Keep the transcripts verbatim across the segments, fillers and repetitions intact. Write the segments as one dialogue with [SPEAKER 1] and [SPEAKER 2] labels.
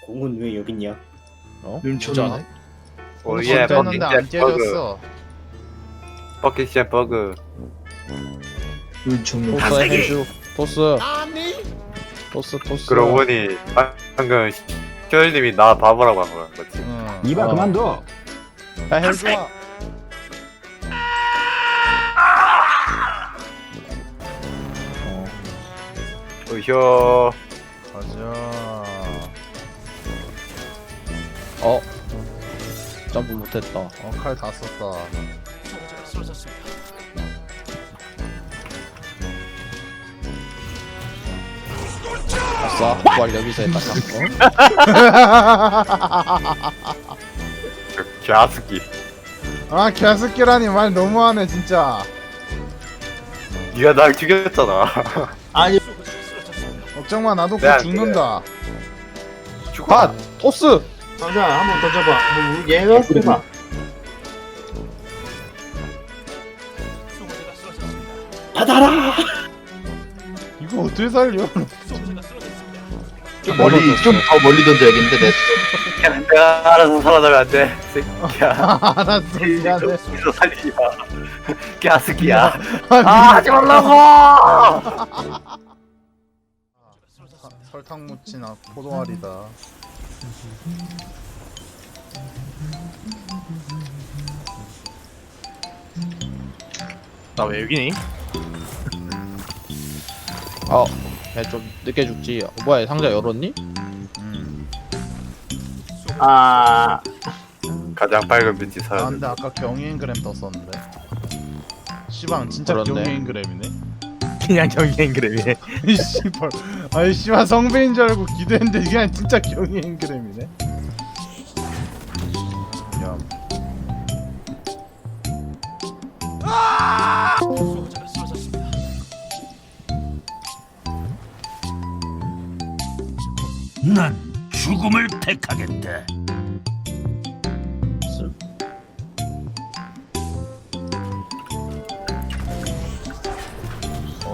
[SPEAKER 1] 공은 왜 여기 있냐?
[SPEAKER 2] 어?
[SPEAKER 3] 눈치잖아.
[SPEAKER 4] 오예
[SPEAKER 3] 했는데 안
[SPEAKER 4] 버킷 버그
[SPEAKER 3] 깨졌어.
[SPEAKER 4] 버킷 버그
[SPEAKER 2] 눈총
[SPEAKER 5] 토스 해주 토스 토스 토스
[SPEAKER 4] 그러고 보니 방금 큐얼님이 나 바보라고 한 거야 맞지?
[SPEAKER 3] 응.
[SPEAKER 2] 이봐
[SPEAKER 5] 어.
[SPEAKER 2] 그만둬.
[SPEAKER 5] 야 해주마 어.
[SPEAKER 4] 으효
[SPEAKER 3] 가자.
[SPEAKER 5] 어 점프 못했다
[SPEAKER 3] 어, 칼 다 썼다.
[SPEAKER 5] 아싸 부활 여기서 했다 어?
[SPEAKER 4] 갸스키
[SPEAKER 3] 아, 개새끼라니 말 너무하네 진짜.
[SPEAKER 4] 니가 날 죽였잖아
[SPEAKER 2] 아니
[SPEAKER 3] 걱정 마, 나도
[SPEAKER 4] 네,
[SPEAKER 3] 곧 죽는다.
[SPEAKER 4] 죽어
[SPEAKER 5] 토스
[SPEAKER 2] 상자 한 번 던져봐. 뭐 얘가 해봐.
[SPEAKER 1] 받아라!
[SPEAKER 3] 이거 어떻게 살려?
[SPEAKER 2] 좀 멀리 좀 더 멀리 던져야겠는데 내.
[SPEAKER 4] 야, 내가 알아서 살아나면 안돼 새끼야
[SPEAKER 3] 알았어, 미안해.
[SPEAKER 4] 여기서 살리지 마 갸스키야
[SPEAKER 3] 아,
[SPEAKER 4] 아 하지 말라고
[SPEAKER 3] 사- 설탕 묻힌 아, 포도알이다.
[SPEAKER 6] 나 왜 여기니?
[SPEAKER 5] 어 야, 좀 늦게 죽지 어, 뭐야 상자 열었니?
[SPEAKER 3] 음.
[SPEAKER 2] 아
[SPEAKER 4] 가장 밝은 빛이
[SPEAKER 3] 아,
[SPEAKER 4] 사라져
[SPEAKER 3] 근데 아까 경인그램 떴었는데. 시방 진짜
[SPEAKER 5] 그렇네.
[SPEAKER 3] 경인그램이네.
[SPEAKER 6] 그냥 경기행그램이네.
[SPEAKER 3] 이 씨발. 아이 씨발 성배인 줄 알고 기대했는데 그냥 진짜 경인그램이네. 야.
[SPEAKER 7] 난 죽음을 택하겠다.
[SPEAKER 3] 어.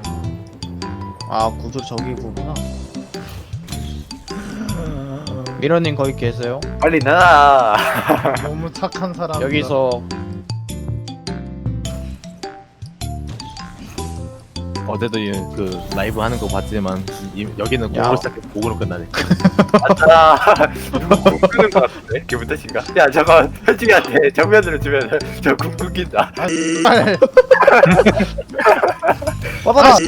[SPEAKER 5] 아 구조 저기구나 미러님 거기 계세요?
[SPEAKER 4] 빨리 나와
[SPEAKER 3] 너무 착한 사람.
[SPEAKER 5] 여기서
[SPEAKER 6] 어제도 이- 그 라이브 하는 거 봤지만 이- 여기는
[SPEAKER 5] 야.
[SPEAKER 6] 공으로 시작해 공으로 끝나네.
[SPEAKER 4] 맞다 누구 궁 끄는 거 같은데? 기분 탓인가? 야 저거 현중이한테 정면으로 주면 저궁 끊긴다
[SPEAKER 3] 아, 씨발.
[SPEAKER 5] 받아라!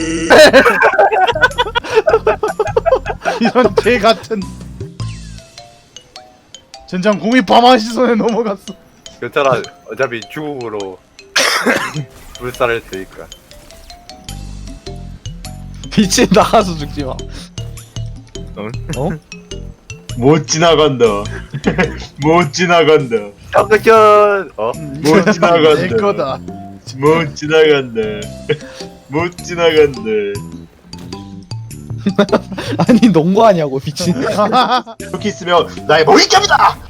[SPEAKER 3] 이런 개 같은. 젠장 공이 바마시 손에 넘어갔어.
[SPEAKER 4] 괜찮아 어차피 죽음으로 불살을 테니까
[SPEAKER 5] 빛이 나가서 죽지마 어?
[SPEAKER 2] 못 지나간다. 못 지나간다.
[SPEAKER 4] 정크션 어?
[SPEAKER 2] 못 지나간다.
[SPEAKER 3] 내 거다.
[SPEAKER 2] 못 지나간다. 못 지나간다.
[SPEAKER 5] 아니 농구하냐고 미친
[SPEAKER 2] 이렇게 있으면 나의 머리감이다.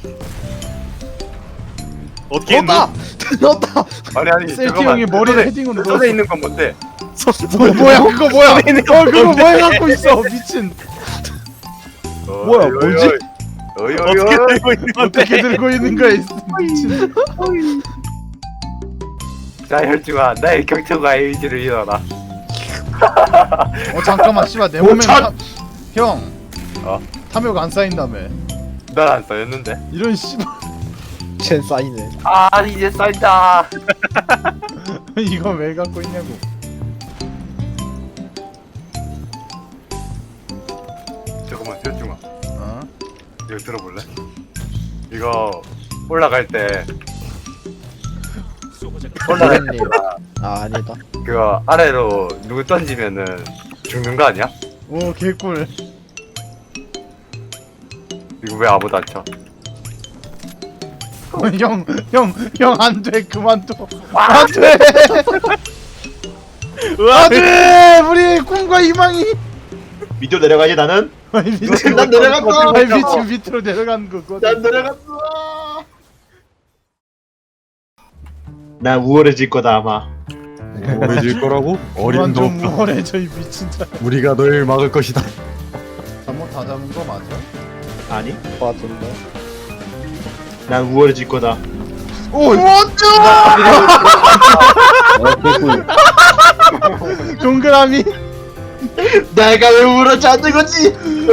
[SPEAKER 6] 어떻게 했노?
[SPEAKER 5] 넣었다! 넣었다!
[SPEAKER 4] 아니 아니
[SPEAKER 3] 셀티
[SPEAKER 4] 잠깐만
[SPEAKER 3] 형이 머리를
[SPEAKER 4] 손에-
[SPEAKER 3] 헤딩으로
[SPEAKER 4] 손에
[SPEAKER 3] 넣었어.
[SPEAKER 4] 있는 건 뭔데?
[SPEAKER 3] 뭐, 뭐야 그거 뭐야? 어 그거 뭐 해갖고 있어 미친.
[SPEAKER 5] 뭐야, 뭐지?
[SPEAKER 4] 어이 어이
[SPEAKER 6] 어떻게
[SPEAKER 4] 어이
[SPEAKER 6] 들고 있는 건데?
[SPEAKER 3] 어떻게 들고 있는 거야 이 미친.
[SPEAKER 4] 자 혈중아 나의 경청과 의지를 잃어라
[SPEAKER 3] 어 잠깐만 씨발 내
[SPEAKER 2] 오,
[SPEAKER 3] 몸에
[SPEAKER 2] 참!
[SPEAKER 3] 타... 형.
[SPEAKER 4] 어?
[SPEAKER 3] 탐욕 안 쌓인다며.
[SPEAKER 4] 난 안 써였는데
[SPEAKER 3] 이런 씨발.
[SPEAKER 5] 쟨 쌓이네
[SPEAKER 4] 아 이제 쌓인다
[SPEAKER 3] 이거 왜 갖고 있냐고.
[SPEAKER 4] 잠깐만 혈중아
[SPEAKER 3] 어?
[SPEAKER 4] 이거 들어볼래? 이거 올라갈 때 올라갈 때
[SPEAKER 5] 미러님 아 아니다
[SPEAKER 4] 그거 아래로 누구 던지면은 죽는 거 아니야?
[SPEAKER 3] 오 개꿀.
[SPEAKER 4] 이거 왜 아무도 안 쳐?
[SPEAKER 3] 어, 형, 형, 형, 안 돼, 그만둬. 안 돼! 안 돼! 우리 꿈과 희망이!
[SPEAKER 2] 밑으로 내려가지 나는.
[SPEAKER 3] 아니, 미친,
[SPEAKER 2] 난 내려갔어.
[SPEAKER 3] 아니, 미친, 밑으로 내려간 거거든.
[SPEAKER 2] 난 내려갔어. 나 우월해질 거다 아마.
[SPEAKER 6] 우울해질 거라고?
[SPEAKER 3] 그만
[SPEAKER 6] 어림도
[SPEAKER 3] 좀
[SPEAKER 6] 없다.
[SPEAKER 3] 우월해, 저이 미친 자.
[SPEAKER 6] 우리가 널 막을 것이다.
[SPEAKER 3] 잘못 다 잡은 거 맞아?
[SPEAKER 2] 아니,
[SPEAKER 5] 것 같은데.
[SPEAKER 2] 난 우월해질 거다.
[SPEAKER 3] 오!
[SPEAKER 1] 어, 개꿀.
[SPEAKER 3] 동그라미.
[SPEAKER 2] 내가 왜 우월하지 않는 거지?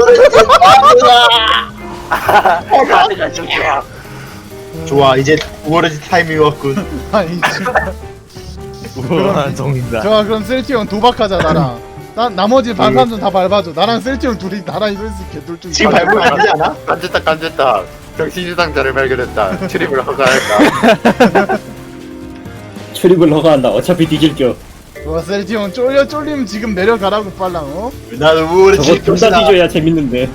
[SPEAKER 4] 아내가 좀 좋아.
[SPEAKER 2] 좋아, 이제 우월해질 타이밍이 왔군.
[SPEAKER 3] 아니 씨발.
[SPEAKER 6] 우월한 정인다.
[SPEAKER 3] 좋아 그럼 셀티온 도박하자 나랑. 나 나머지 반삼 다 밟아줘. 나랑 셀티온 둘이 나란히 서 있을게. 둘 중.
[SPEAKER 2] 지금 밟으면 안 되지 않아?
[SPEAKER 4] 간졌다 간졌다. 정신이상자를 발견했다. 출입을 허가할까?
[SPEAKER 1] 출입을 허가한다. 어차피 뒤질겨.
[SPEAKER 3] 좋아 셀티온 쫄려 쫄리면 지금 내려가라고 빨랑 어?
[SPEAKER 2] 난
[SPEAKER 1] 저거
[SPEAKER 2] 우월해질
[SPEAKER 1] 둘 다
[SPEAKER 2] 것이다.
[SPEAKER 1] 뒤져야 재밌는데.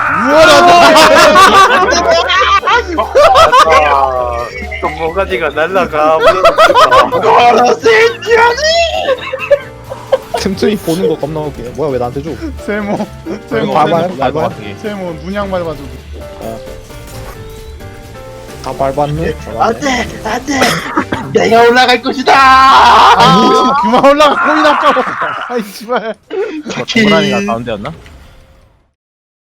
[SPEAKER 3] 우월하다.
[SPEAKER 4] 아, 또 모가지가 날라가.
[SPEAKER 2] 너라 세티아니!
[SPEAKER 5] 틈틈이 보는 거 겁나 웃기네. 뭐야 왜 나한테 줘?
[SPEAKER 3] 세모. 세모.
[SPEAKER 5] 밟아요?
[SPEAKER 3] 세모.
[SPEAKER 5] 밟아요?
[SPEAKER 3] 세모 문양 밟아줘.
[SPEAKER 5] 다 밟았네?
[SPEAKER 2] 안돼, 안돼. 내가 올라갈 것이다.
[SPEAKER 3] 아 그만 올라가 코인 아까워. 아이 씨발.
[SPEAKER 6] 동그라미가 가운데였나?